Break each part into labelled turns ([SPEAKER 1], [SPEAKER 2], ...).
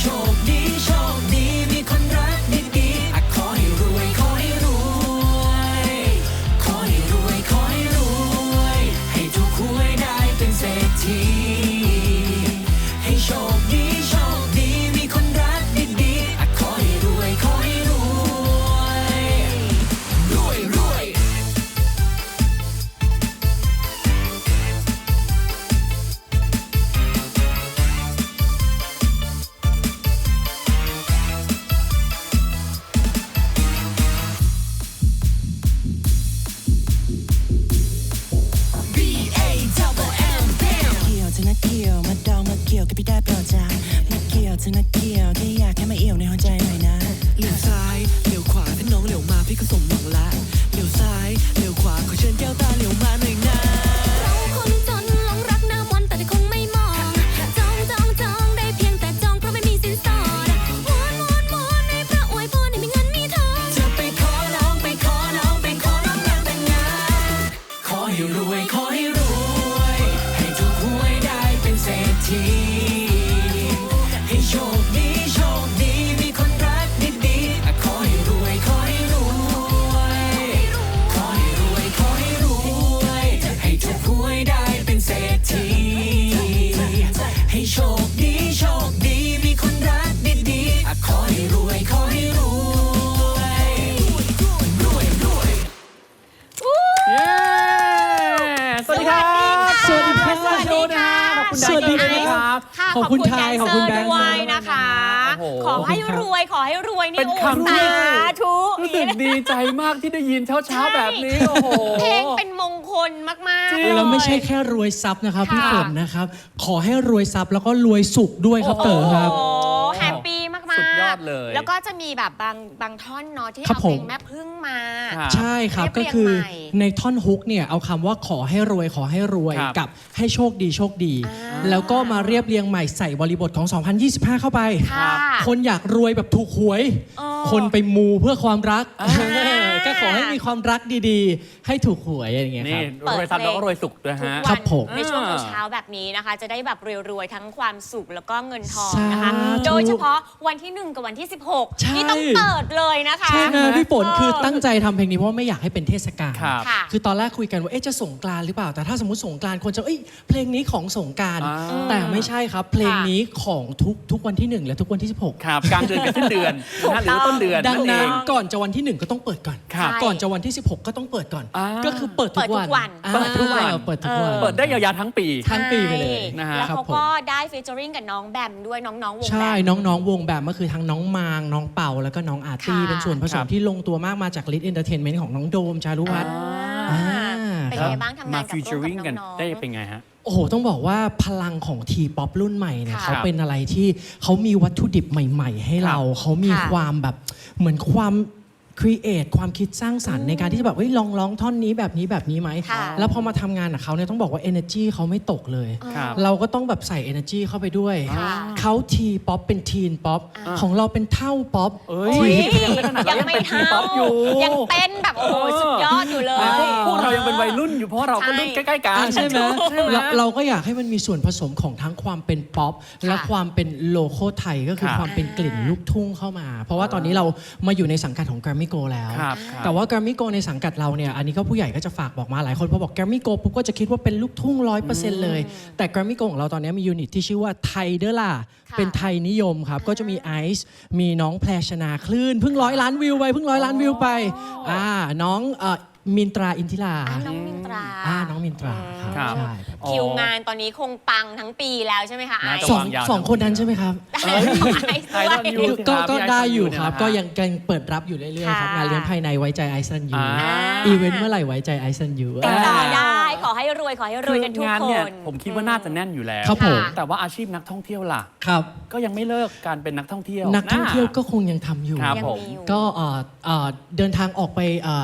[SPEAKER 1] โชคดีโชคดีมีคนรักดีๆขอให้รวยขอให้รวยขอให้รวยขอให้รวยให้ถูกหวยได้เป็นเศรษฐีให้โชคดีโชคดีมีคนรักดีๆขอให้รวยขอให้รวยรวยรวย เธอนักเกี่ยวมาดองมาเกี่ยวกับพี่ได้โปรดจ้ามาเกี่ยวเธอนักเกี่ยวแค่อยากให้มาเอี่ยวในหัวใจหน่อยนะเลี้ยวซ้ายเลี้ยวขวาถ้าน้องเลี้ยวมาพี่ก็สมหวังละเลี้ยวซ้ายเลี้ยวขวาขอเชิญแก้วตาเลี้ยวมาหน่อยนะ
[SPEAKER 2] เราคนจนหลงรักหน้ามนต์แต่คงไม่มองจองได้เพียงแต่จองเพราะไม่มีสินสอดวอนให้พระอวยพรให้มีเงินมีทอง
[SPEAKER 1] จะไปขอน้องไปขอน้องไปขอน้องแต่งงานขอให้รวยขอให้รวยให้ถูกหวยได้เป็นเศรษฐีให้โชคดีโชคดีมีคนรักดีๆขอให้รวยขอให้รวยขอให้รวยขอให้รวยให้ถูกหวยได้เป็นเศรษฐีให้โชคดีโชคดีมีคนรักดีๆขอให้รวยขอให้รวยรวยรวย
[SPEAKER 3] เย้สวัสดีครับ
[SPEAKER 4] สวัสดีครับ
[SPEAKER 3] สวัสดีค่ะขอบคุณ
[SPEAKER 4] สวัสดี
[SPEAKER 3] ไดซ์ครับ
[SPEAKER 2] ค่ะ
[SPEAKER 4] ขอบคุณไทยขอบคุณแบงค์
[SPEAKER 2] ด้วยนะคะ
[SPEAKER 3] โอ้โห
[SPEAKER 2] ขอให้รวยขอให้รวยนี่
[SPEAKER 3] เป็นครั้งแรก
[SPEAKER 2] สาธุ
[SPEAKER 3] รู้สึกดีใจมากที่ได้ยินเช้าๆแบบนี้โอ้โห
[SPEAKER 2] เพลงเป็นมงคลมาก
[SPEAKER 3] จริ
[SPEAKER 2] ๆ
[SPEAKER 3] ง
[SPEAKER 4] แล้วไม่ใช่แค่รวยทรัพย์นะครับพี่
[SPEAKER 2] ค่ะ
[SPEAKER 4] ฝนนะครับ ขอให้รวยทรัพย์แล้วก็รวยสุขด้วยครับเต๋อครับ
[SPEAKER 2] โอ้แฮปปี้มากๆ
[SPEAKER 3] สุดยอดเลย
[SPEAKER 2] แล้วก็จะมีแบบบางท่อนเนาะที่
[SPEAKER 4] ครับ
[SPEAKER 2] เอาเพลง
[SPEAKER 4] ผม
[SPEAKER 2] แม่พึ่งมา
[SPEAKER 3] ครับ
[SPEAKER 4] ใช่ครับ
[SPEAKER 2] เรี
[SPEAKER 4] ก็
[SPEAKER 2] ยบเรียง
[SPEAKER 4] คือ
[SPEAKER 2] ใหม่
[SPEAKER 4] ในท่อนฮุกเนี่ยเอาคำว่าขอให้รวยขอให้รวย
[SPEAKER 3] ครับ
[SPEAKER 4] กับให้โชคดีโชคดี
[SPEAKER 2] อ่า
[SPEAKER 4] แล้วก็มาเรียบเรียงใหม่ใส่บริบทของ 2025 เข้าไป
[SPEAKER 2] ค่ะ
[SPEAKER 4] คนอยากรวยแบบถูกหวย
[SPEAKER 2] อ๋อ
[SPEAKER 4] คนไปมูเพื่อความรัก
[SPEAKER 3] อ่า
[SPEAKER 4] ก็ขอให้มีความรักดีๆ ให้ถูกหวยอย่างเงี้ยค
[SPEAKER 3] นี่
[SPEAKER 4] รับ
[SPEAKER 3] รวยทรัพย์แล้วก็รวยสุขด้วย
[SPEAKER 2] ทุก
[SPEAKER 3] ฮะ
[SPEAKER 2] วั
[SPEAKER 4] ครับผม
[SPEAKER 2] ในช่วง
[SPEAKER 3] อ่า
[SPEAKER 2] เช้าๆแบบนี้นะคะ จะได้แบบรวยๆทั้งความสุขแล้วก็เงินทอง
[SPEAKER 4] สา
[SPEAKER 2] นะคะ
[SPEAKER 4] ธุ
[SPEAKER 2] โดยเฉพาะวันที่ 1 กับวันที่
[SPEAKER 4] ใช่
[SPEAKER 2] 16 นี่ต้องเปิดเลยนะคะ
[SPEAKER 4] ใช่ไหมพี่ฝน
[SPEAKER 2] เออ
[SPEAKER 4] คือตั้งใจทำเพลงนี้เพราะว่าไม่อยากให้เป็นเทศกาล
[SPEAKER 3] ครับ
[SPEAKER 2] ค่ะ
[SPEAKER 4] คือตอนแรกคุยกันว่าจะสงกรานต์หรือเปล่า แต่ถ้าสมมติสงกรานต์คนจะเพลงนี้ของสงกรานต์
[SPEAKER 3] อ่า
[SPEAKER 4] แต่ไม่ใช่ครับ เพลงนี้ของทุกวันที่ 1 และทุกวันที่ 16
[SPEAKER 3] ครับกลางเดือนกับสิ้นเดือนนะฮะหรือว่าต้นเดือน
[SPEAKER 4] ดัง
[SPEAKER 3] เอ
[SPEAKER 4] นั้น
[SPEAKER 3] ง
[SPEAKER 4] ก่อนจะวันที่ 1 ก็ต้องเปิดก่อน
[SPEAKER 3] ครับ
[SPEAKER 4] ก่อนจะวันที่ 16 ก็ต้องเปิดก่อน
[SPEAKER 3] อ่า
[SPEAKER 4] ก็คือเปิดทุกวัน
[SPEAKER 3] เปิดทุกวัน
[SPEAKER 4] เปิดทุกวัน
[SPEAKER 3] เปิดได้ยาวๆทั้งปี
[SPEAKER 4] ทั้งปีไปเลย
[SPEAKER 3] นะฮะ
[SPEAKER 2] แล้ว
[SPEAKER 4] ครับ
[SPEAKER 2] เขา
[SPEAKER 4] ผม
[SPEAKER 2] ก็ได้ฟีเจอริงกับน้องแบมด้วยน้องๆวงแบม
[SPEAKER 4] ใช่น้องๆวงแบบก็คือทั้งน้องมางน้องเป่าแล้วก็น้องอาร์ตี้
[SPEAKER 2] ค่ะ
[SPEAKER 4] เป็นส่วนผส
[SPEAKER 3] ครั
[SPEAKER 4] ม
[SPEAKER 3] บ
[SPEAKER 4] ที่ลงตัวมากมาจากลิทเอนเตอร์เทนเมนต์ของน้องโดมจารุวัฒน์
[SPEAKER 2] อ่า
[SPEAKER 4] อ่า
[SPEAKER 2] เป็น
[SPEAKER 4] ครับ
[SPEAKER 2] ไงบ้างทำงาม
[SPEAKER 3] าน
[SPEAKER 2] กับ
[SPEAKER 3] ฟิวเจอ
[SPEAKER 2] ร่วม
[SPEAKER 3] ริง
[SPEAKER 2] กับ
[SPEAKER 3] กัน
[SPEAKER 2] น้องๆ
[SPEAKER 3] ได้เป็นไงฮะ
[SPEAKER 4] โอ้โห ต้องบอกว่าพลังของทีป๊อปรุ่นใหม่เนี่ย
[SPEAKER 2] ค่ะ
[SPEAKER 4] เขาเป็นอะไรที่เขามีวัตถุดิบใหม่ ๆ ให้เรา เขามี
[SPEAKER 2] ค่ะ
[SPEAKER 4] ความแบบเหมือนความครีเอทความคิดสร้างสรรค์ในการที่จะแบบลองร้องท่อนนี้แบบนี้ไหม
[SPEAKER 2] ค่ะ
[SPEAKER 4] แล้วพอมาทำงานกับเขาเนี่ยต้องบอกว่า energy เขาไม่ตกเลย
[SPEAKER 3] ครับ
[SPEAKER 4] เราก็ต้องแบบใส่ energy เข้าไปด้วย
[SPEAKER 2] ค่ะ
[SPEAKER 4] เขาทีป๊อปเป็นทีนป๊อป
[SPEAKER 2] อ่า
[SPEAKER 4] ของเราเป็นเท่าป๊อป
[SPEAKER 3] เอ้ย
[SPEAKER 2] อุ๊ย
[SPEAKER 3] ยังไม่ขนาดนั้นยังเป็นทีป๊อปอยู่
[SPEAKER 2] ยังเต้นแบบโอ้โหสุดยอดอยู่เลย
[SPEAKER 3] พวกเรายังเป็นวัยรุ่นอยู่เพราะเราก็รุ่นใกล้ๆกัน
[SPEAKER 4] ใช่ไหม
[SPEAKER 3] ใช่ไหม
[SPEAKER 4] เราก็อยากให้มันมีส่วนผสมของทั้งความเป็นป๊อปและความเป็นโลโก้ไทยก็คือ
[SPEAKER 3] ครับ
[SPEAKER 4] ความเป็นกลิ่นลูกทุ่งเข้ามา เพราะว่าตอนนี้เรามาอยู่ในสังกัดของ Grammy Go แล้ว
[SPEAKER 3] ครับ
[SPEAKER 4] แต่ว่า Grammy Go ในสังกัดเราเนี่ยอันนี้ก็ผู้ใหญ่ก็จะฝากบอกมาหลายคนพอบอก Grammy Go ปุ๊บก็จะคิดว่าเป็นลูกทุ่ง 100% เลย แต่ Grammy Go ของเราตอนนี้มียูนิตที่ชื่อว่าไทยเด้อล่ะ
[SPEAKER 2] ค่ะ
[SPEAKER 4] เป็นไทยนิยมครับก็จะมีไอซ์มีน้องแพรชนาคลื่นเพิ่ง100 ล้านวิวไปน้องมินตราอินทิรา
[SPEAKER 2] น้องมินตรา
[SPEAKER 4] น้องมินตราครับ
[SPEAKER 3] ครับ
[SPEAKER 4] ใช่
[SPEAKER 2] คิวงานตอนนี้คงปังทั้งปีแล้วใช่ไหมคะไอ
[SPEAKER 3] น่าจะ
[SPEAKER 2] ซ์
[SPEAKER 4] สอง
[SPEAKER 3] วางยาว
[SPEAKER 4] สองคนนั้นใช่ไหมครับ
[SPEAKER 2] ไอซ์ด้วย
[SPEAKER 3] ไอดอลยู
[SPEAKER 4] ก็ได้อยู่ครับ
[SPEAKER 3] เนี่ยนะฮะ
[SPEAKER 4] ก็ยังเปิดรับอยู่เรื่อยๆครับ
[SPEAKER 2] ค่ะ
[SPEAKER 4] งานเลี้ยงภายในไว้ใจไอซันยู
[SPEAKER 3] อ่า
[SPEAKER 4] อีเวนต์เมื่อไหร่ไว้ใจไอซันยู
[SPEAKER 2] ติดต่อได้ ขอให้รวยกันทุก
[SPEAKER 3] งาน
[SPEAKER 2] ค
[SPEAKER 3] เนี่ย
[SPEAKER 2] น
[SPEAKER 3] ผมคิดว่าน่าจะแน่นอยู่แล้ว
[SPEAKER 4] ครับผม
[SPEAKER 3] แต่ว่าอาชีพนักท่องเที่ยวล่ะ
[SPEAKER 4] ครับ
[SPEAKER 3] ก็ยังไม่เลิกการเป็นนักท่องเที่ยว
[SPEAKER 4] นักท่องเที่ยวก็คงยังทำอยู่
[SPEAKER 3] ครับ
[SPEAKER 2] ยัง
[SPEAKER 3] ผม
[SPEAKER 2] มีอยู่
[SPEAKER 4] ก็เดินทางออกไป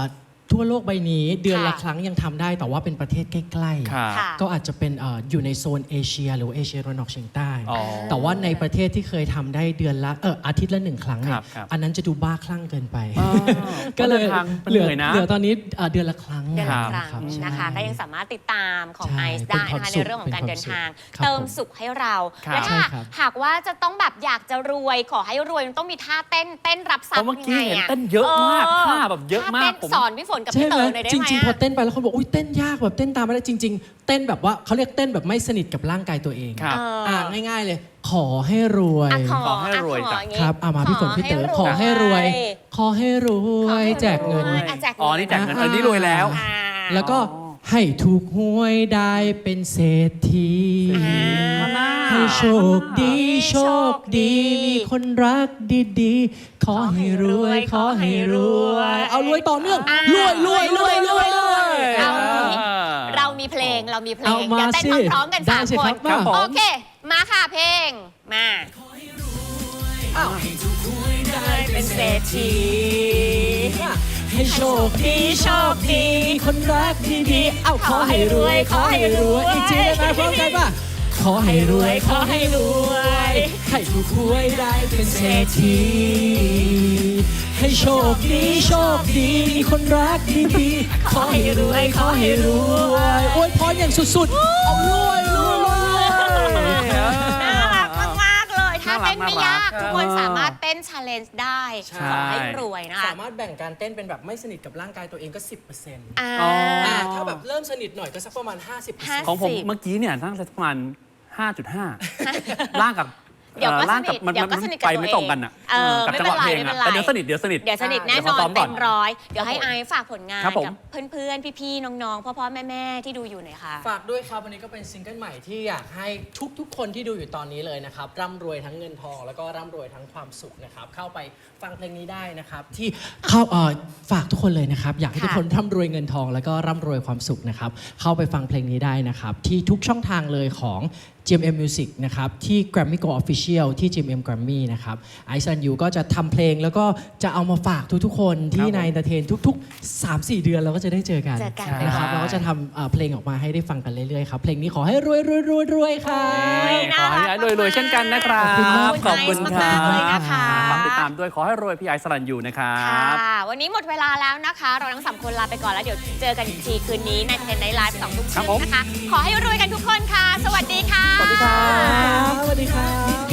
[SPEAKER 4] ทั่วโลกใบนี้เดือนละ
[SPEAKER 5] ค่ะ
[SPEAKER 4] ครั้งยังทำได้แต่ว่าเป็นประเทศใกล้ๆ
[SPEAKER 3] ค่ะ
[SPEAKER 5] ค่ะ
[SPEAKER 4] ก็อาจจะเป็นอยู่ในโซนเอเชียหรือว่าเอเชียตะวันออกเฉียงใต้
[SPEAKER 3] อ๋อ
[SPEAKER 4] แต่ว่าในประเทศที่เคยทำได้เดือนละอาทิตย์ละ1 ครั้งเนี่
[SPEAKER 3] ครั
[SPEAKER 4] ย
[SPEAKER 3] บครับ
[SPEAKER 4] อันนั้นจะดูบ้าคลั่งเกินไป
[SPEAKER 3] อ๋อ
[SPEAKER 4] ก็เลย
[SPEAKER 3] เดินทางมัน
[SPEAKER 4] เหลือ
[SPEAKER 3] เหนื่อยนะ
[SPEAKER 4] เหลือตอนนี้เดือนละครั้ง
[SPEAKER 5] เดือนละ
[SPEAKER 3] ค
[SPEAKER 5] ครับ รั้ง
[SPEAKER 4] ใช่
[SPEAKER 5] นะคะ ก็ยังสามารถติดตามของ
[SPEAKER 4] ใช่
[SPEAKER 5] ไอซ์ได้
[SPEAKER 4] เป็นความ
[SPEAKER 5] นะคะ
[SPEAKER 4] สุ
[SPEAKER 5] ใน
[SPEAKER 4] ข
[SPEAKER 5] เรื่องของการเดินทาง
[SPEAKER 4] ครับ
[SPEAKER 5] เติม
[SPEAKER 4] ผม
[SPEAKER 5] สุขให้เรา
[SPEAKER 3] ครับ
[SPEAKER 5] และถ้า
[SPEAKER 4] ใช่ครับ
[SPEAKER 5] หากว่าจะต้องแบบอยากจะรวยขอให้รวยมันต้องมีท่าเต้นรับทรัพ
[SPEAKER 3] เพราะ
[SPEAKER 5] ย์
[SPEAKER 3] เมื่อกี้
[SPEAKER 5] ยังไง
[SPEAKER 3] เห็น
[SPEAKER 5] อะ
[SPEAKER 3] เต้นเยอะมากท่าแบบเยอะมาก
[SPEAKER 5] ท่ต้น
[SPEAKER 3] ผม
[SPEAKER 5] สอนพี่ฝนกับ
[SPEAKER 4] ใช่
[SPEAKER 5] พี่
[SPEAKER 4] ไหม
[SPEAKER 5] เต๋อหน่อยได้
[SPEAKER 4] จ
[SPEAKER 5] ไหม
[SPEAKER 4] ริงๆพอ
[SPEAKER 5] อะ
[SPEAKER 4] เต้นไปแล้วคนบอกอุ้ยเต้นยากแบบเต้นตามไม่ได้จริง ๆ เต้นแบบว่าเขาเรียกเต้นแบบไม่สนิทกับร่างกายตัวเอง
[SPEAKER 3] ครับ
[SPEAKER 4] ง่ายๆเลย ขอให้รวย
[SPEAKER 5] อ่ะข
[SPEAKER 3] ขอให้รวย
[SPEAKER 5] ขอ
[SPEAKER 3] จ้ะ
[SPEAKER 5] อย่างงี้
[SPEAKER 4] ครับมาพี่ฝนพี่เต๋อขอให้รวย ขอให้รวยแจกเงิน
[SPEAKER 5] อ่ะแจกเงิน
[SPEAKER 3] อ๋อนี่แจกเงินอันนี้รวยแล้ว
[SPEAKER 5] อ่า
[SPEAKER 4] แล้วก็ให้ถูกหวยได้เป็นเศรษฐี ให้โชคดีโชคดี มีคนรักดีๆ ขอให้รวยขอให้รวย เอารวยต่อเนื่องรวยรวยรวยรวยรวย
[SPEAKER 5] เอาอย่างนี้เรามีเพลงเดี๋
[SPEAKER 4] เอา
[SPEAKER 5] ยว
[SPEAKER 4] มา
[SPEAKER 5] เต้น
[SPEAKER 4] สิ
[SPEAKER 5] พร้อมๆกัน
[SPEAKER 4] ได้
[SPEAKER 5] 3
[SPEAKER 4] สิ
[SPEAKER 5] ค
[SPEAKER 4] ครั
[SPEAKER 5] น
[SPEAKER 4] บครับผม
[SPEAKER 5] โอเค มาค่ะเพลงมา เป็นเศรษฐี
[SPEAKER 4] ให้โชคดีโชคดีมีคนรักดีๆ เอาขอให้รวยขอให้รวยอีกทีได้ไหมพร้อมกันป่ะขอให้รวยขอให้รวยให้ถูกหวยได้เป็นเศรษฐีให้โชคดีโชคดีมีคนรักดีๆขอให้รวยขอให้รวยอวยพรอย่างสุดๆเอารวยรวยรวย
[SPEAKER 5] น่ารักมากๆเลยถ้าเต้นไม่ยาก
[SPEAKER 3] น่ารัก
[SPEAKER 5] ทุกคนสามารถเต้น challenge ได้
[SPEAKER 3] ใช่
[SPEAKER 5] ขอให้รวยนะคะ
[SPEAKER 4] สามารถแบ่งการเต้นเป็นแบบไม่สนิทกับร่างกายตัวเองก็ 10%
[SPEAKER 5] อ่า
[SPEAKER 3] อ๋อ
[SPEAKER 4] ถ้าแบบเริ่มสนิทหน่อยก็สักประมาณ 50%
[SPEAKER 3] ของผมเมื่อกี้เนี่ยนั่งสักประมาณ 5.5 ล่างกับ
[SPEAKER 5] เดี๋ยวก็ส
[SPEAKER 3] ล่าง
[SPEAKER 5] นิ
[SPEAKER 3] กับ
[SPEAKER 5] ท
[SPEAKER 3] มัน
[SPEAKER 5] เดี๋ยวก็
[SPEAKER 3] มัน
[SPEAKER 5] สนิทกับ
[SPEAKER 3] ไป
[SPEAKER 5] ตัว
[SPEAKER 3] ไม่
[SPEAKER 5] เอง
[SPEAKER 3] ตรงกันอ่ะ
[SPEAKER 5] ไม่เป็นไรไม่เป็นไร
[SPEAKER 3] แต่เดี๋ยวสนิท
[SPEAKER 5] เดี๋ยวสนิทแน่น
[SPEAKER 3] เดี๋ยว
[SPEAKER 5] อ
[SPEAKER 3] ขอน ซ้อมก่
[SPEAKER 5] เต็
[SPEAKER 3] อน
[SPEAKER 5] มร้อยเดี๋ยวให้ไอซ์ฝากผลงาน
[SPEAKER 3] ครับผม
[SPEAKER 5] กับเพื่อนๆ พี่ๆ น้องๆ พ่อๆ แม่ๆ ที่ดูอยู่หน่อยค่ะ
[SPEAKER 4] ฝากด้วยครับ วันนี้ก็เป็นซิงเกิลใหม่ที่อยากให้ทุกๆคนที่ดูอยู่ตอนนี้เลยนะครับ ร่ำรวยทั้งเงินทอง แล้วก็ร่ำรวยทั้งความสุขนะครับ เข้าไปฟังเพลงนี้ได้นะครับ ที่เข้าฝากทุกคนเลยนะครับ อยากให้ทุกคนร่ำรวยเงินทอง แล้วก็ร่ำรวยความสุขนะครับ เข้าไปฟังเพลงนี้ได้นะครับ ที่ทุกช่องทางเลยของ GMM Music นะครับที่ Grammy Go Official ที่ GMM Grammy นะครับไอซันยูก็จะทำเพลงแล้วก็จะเอามาฝากทุกๆคนที่ใน Entertain ทุกๆ 3-4 เดือนเราก็จะได้เจอกัน
[SPEAKER 5] เจอกัน
[SPEAKER 4] นะครับ
[SPEAKER 3] ใช่
[SPEAKER 4] เราก็จะทำเพลงออกมาให้ได้ฟังกันเรื่อยๆครับ เพลงนี้ขอให้รวยรวยรวยรวยค่ะ
[SPEAKER 3] ขอให้ไอ้รวยๆเช่นกันนะครับ
[SPEAKER 5] ขอบคุณไอซ์มากๆเลยนะคะ
[SPEAKER 3] ฝากติดตามด้วยขอให้รวยพี่ไอซ์สรัญยูนะครับ
[SPEAKER 5] ค่ะ วันนี้หมดเวลาแล้วนะคะ เราทั้ง 3 คนลาไปก่อนแล้วเดี๋ยวเจอกันอีกทีคืนนี้ในเทนไนท์ไลฟ์2 ทุ่มค
[SPEAKER 3] ครั
[SPEAKER 5] รึ่
[SPEAKER 3] บผม
[SPEAKER 5] งนะคะ ขอให้รวยกันทุกคนค่ะ สวัสดีค่ะ
[SPEAKER 3] สวัสดีครับ
[SPEAKER 4] สวัสดีครับ